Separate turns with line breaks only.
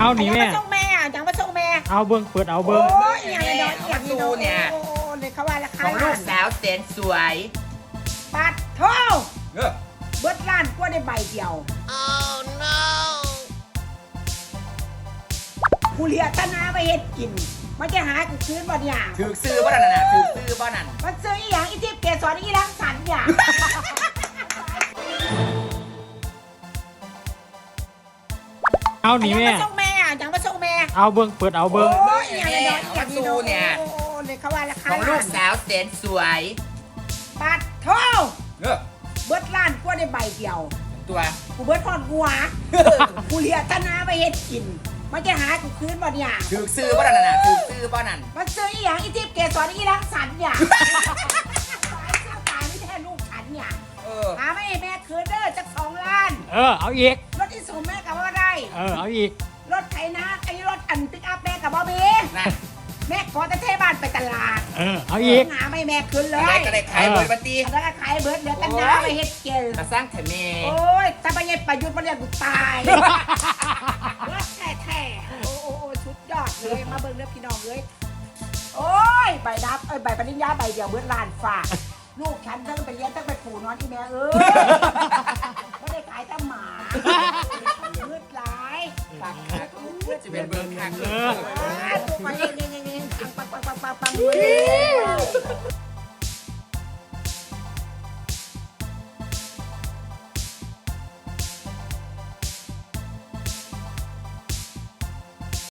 เอาหนีแม่
จังมาส่งแม่จังมาส่งแม่
เอาเบิ้งเปิดเอาเบิ้ง
โอ้ยอย่างนี้อย่างนี้เนี่ยโอ้เลยเขาว่าราคา
ของลูกสาวแสนสวย
ปัดเท่า
เออ
เบิดล้านกว่าได้ใบเดียวกูเลียตนาไปเฮ็ดกินมันจะหากูคืนบ่เนี่ย
ถือซื้อบ่นั่นน่ะถือซื้อบ่นั่น
มันซื้ออีหยังอีทิพย์เกสรอีรังสรรค์อย่าง
เอาหนีแม่
จังมาส่งแม่จังมาส่งแม่
เอาเบิ้งเปิดเอาเบิ้ง
โอ้ยอย่างนี้อย่างนี้เนี่ยโอ้เลยเขาว่าราคา
ของลูกสาวแสนสวย
ปัดเท่า
เออ
เบิดล้านกว่าได้ใบเดียว
ตัว
กูเบิดทอดหัวกูเลียตนาไปเฮ็ดกินมันจะหากูคืนบ่เนี่ย
ถือซื้อบ่นั่นน่ะถือซื้อบ่นั่น
มันซื้ออีหยังอีทิพย์เกสรอีรังสรรค์อย่างตายไม่แท้ลูกฉันเนี่ย
เออ
หาไม่ให้แม่คืนเด้อจัก2 ล้าน
เอาอีก
รถที่สูงแม่กับว่าได้
เอาอีก
รถไถนาไอ้รถอันปิกอัพแม่กับบ่มี
นั่น
แม่ขอแต่เทบ้านไปตลาด
เอาอีก
หาไม่แม่คืนเล
อะไร
ย
ก็ได้ขายเบิดบัดนี้
แล้วก็ขายเบิดเดี๋ยวกันนะไปเฮ็ดเกล
มาสร้างแถมแม่
โอ้ยถ้าไปเฮ็ดประยุทธ์มันเรียกกูตายรถแท้ๆโอ้ชุดยอดเลยมาเบิ่งเด้อพี่น้องเลยโอ้ยใบดับใบปริญญาใบเดียวเบิดล้านฝากลูกฉันทั้งไปเลี้ยงทั้งไปปู่นอนที่แม่ไม่ได้ขายแต่หมามืดหลายปากขาดมืด
จะเป็นเบิร์ข้าง
เอ
เอ
อ
อ
ตัวมาเองปังเลย